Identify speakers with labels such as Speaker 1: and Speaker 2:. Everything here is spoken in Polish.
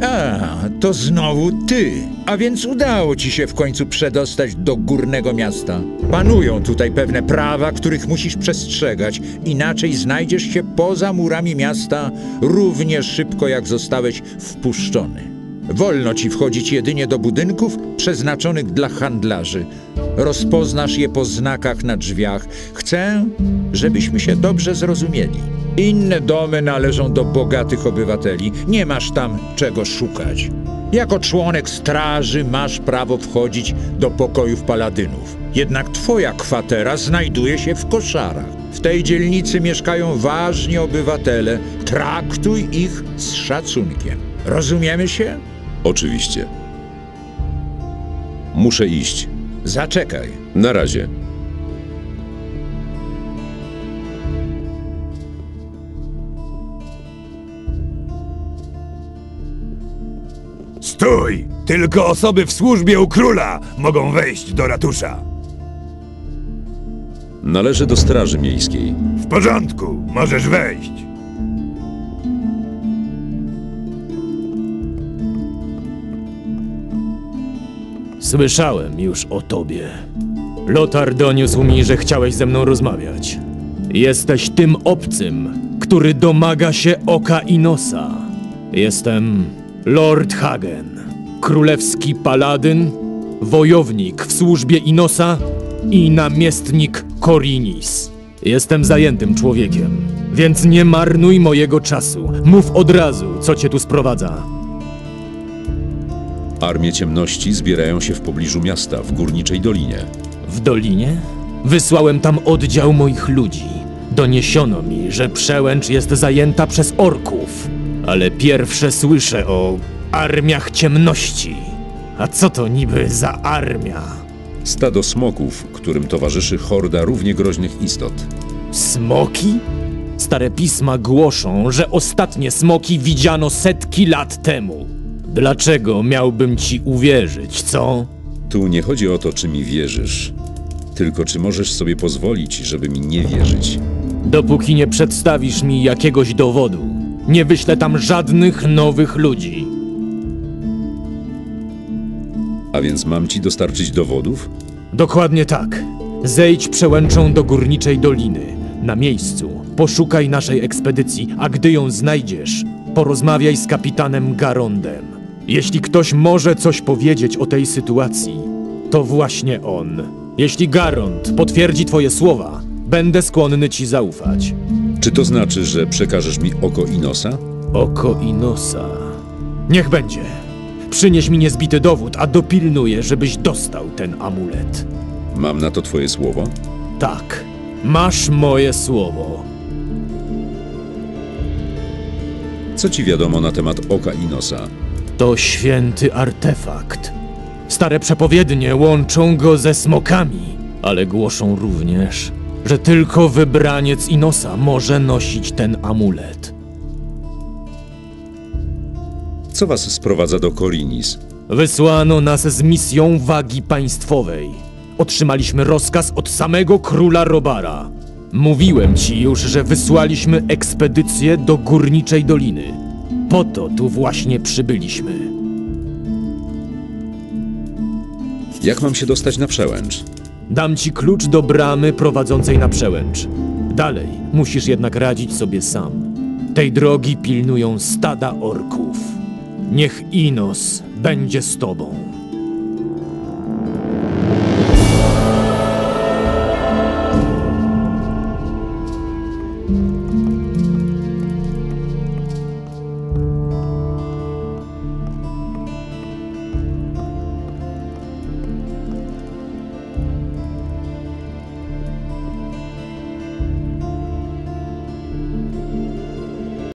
Speaker 1: To znowu ty. A więc udało ci się w końcu przedostać do górnego miasta. Panują tutaj pewne prawa, których musisz przestrzegać. Inaczej znajdziesz się poza murami miasta równie szybko, jak zostałeś wpuszczony. Wolno ci wchodzić jedynie do budynków przeznaczonych dla handlarzy. Rozpoznasz je po znakach na drzwiach. Chcę, żebyśmy się dobrze zrozumieli. Inne domy należą do bogatych obywateli. Nie masz tam czego szukać. Jako członek straży masz prawo wchodzić do pokojów paladynów. Jednak twoja kwatera znajduje się w koszarach. W tej dzielnicy mieszkają ważni obywatele. Traktuj ich z szacunkiem. Rozumiemy się?
Speaker 2: Oczywiście. Muszę iść.
Speaker 1: Zaczekaj.
Speaker 2: Na razie.
Speaker 3: Stój! Tylko osoby w służbie u króla mogą wejść do ratusza.
Speaker 2: Należę do Straży Miejskiej.
Speaker 3: W porządku, możesz wejść.
Speaker 4: Słyszałem już o tobie. Lothar doniósł mi, że chciałeś ze mną rozmawiać. Jesteś tym obcym, który domaga się oka i nosa. Jestem Lord Hagen, królewski paladyn, wojownik w służbie Inosa i namiestnik Korinis. Jestem zajętym człowiekiem, więc nie marnuj mojego czasu. Mów od razu, co cię tu sprowadza.
Speaker 2: Armie ciemności zbierają się w pobliżu miasta, w Górniczej Dolinie.
Speaker 4: W Dolinie? Wysłałem tam oddział moich ludzi. Doniesiono mi, że przełęcz jest zajęta przez orków. Ale pierwsze słyszę o armiach ciemności. A co to niby za armia?
Speaker 2: Stado smoków, którym towarzyszy horda równie groźnych istot.
Speaker 4: Smoki? Stare pisma głoszą, że ostatnie smoki widziano setki lat temu. Dlaczego miałbym ci uwierzyć, co?
Speaker 2: Tu nie chodzi o to, czy mi wierzysz, tylko czy możesz sobie pozwolić, żeby mi nie wierzyć.
Speaker 4: Dopóki nie przedstawisz mi jakiegoś dowodu, nie wyślę tam żadnych nowych ludzi.
Speaker 2: A więc mam ci dostarczyć dowodów?
Speaker 4: Dokładnie tak. Zejdź przełęczą do Górniczej Doliny. Na miejscu poszukaj naszej ekspedycji, a gdy ją znajdziesz, porozmawiaj z kapitanem Garondem. Jeśli ktoś może coś powiedzieć o tej sytuacji, to właśnie on. Jeśli Garond potwierdzi twoje słowa, będę skłonny ci zaufać.
Speaker 2: Czy to znaczy, że przekażesz mi oko Inosa?
Speaker 4: Oko Inosa. Niech będzie. Przynieś mi niezbity dowód, a dopilnuję, żebyś dostał ten amulet.
Speaker 2: Mam na to twoje słowo?
Speaker 4: Tak, masz moje słowo.
Speaker 2: Co ci wiadomo na temat oka Inosa?
Speaker 4: To święty artefakt. Stare przepowiednie łączą go ze smokami, ale głoszą również, że tylko wybraniec Inosa może nosić ten amulet.
Speaker 2: Co was sprowadza do Korinis?
Speaker 4: Wysłano nas z misją wagi państwowej. Otrzymaliśmy rozkaz od samego króla Robara. Mówiłem ci już, że wysłaliśmy ekspedycję do Górniczej Doliny. Po to tu właśnie przybyliśmy.
Speaker 2: Jak mam się dostać na przełęcz?
Speaker 4: Dam ci klucz do bramy prowadzącej na przełęcz. Dalej musisz jednak radzić sobie sam. Tej drogi pilnują stada orków. Niech Inos będzie z tobą.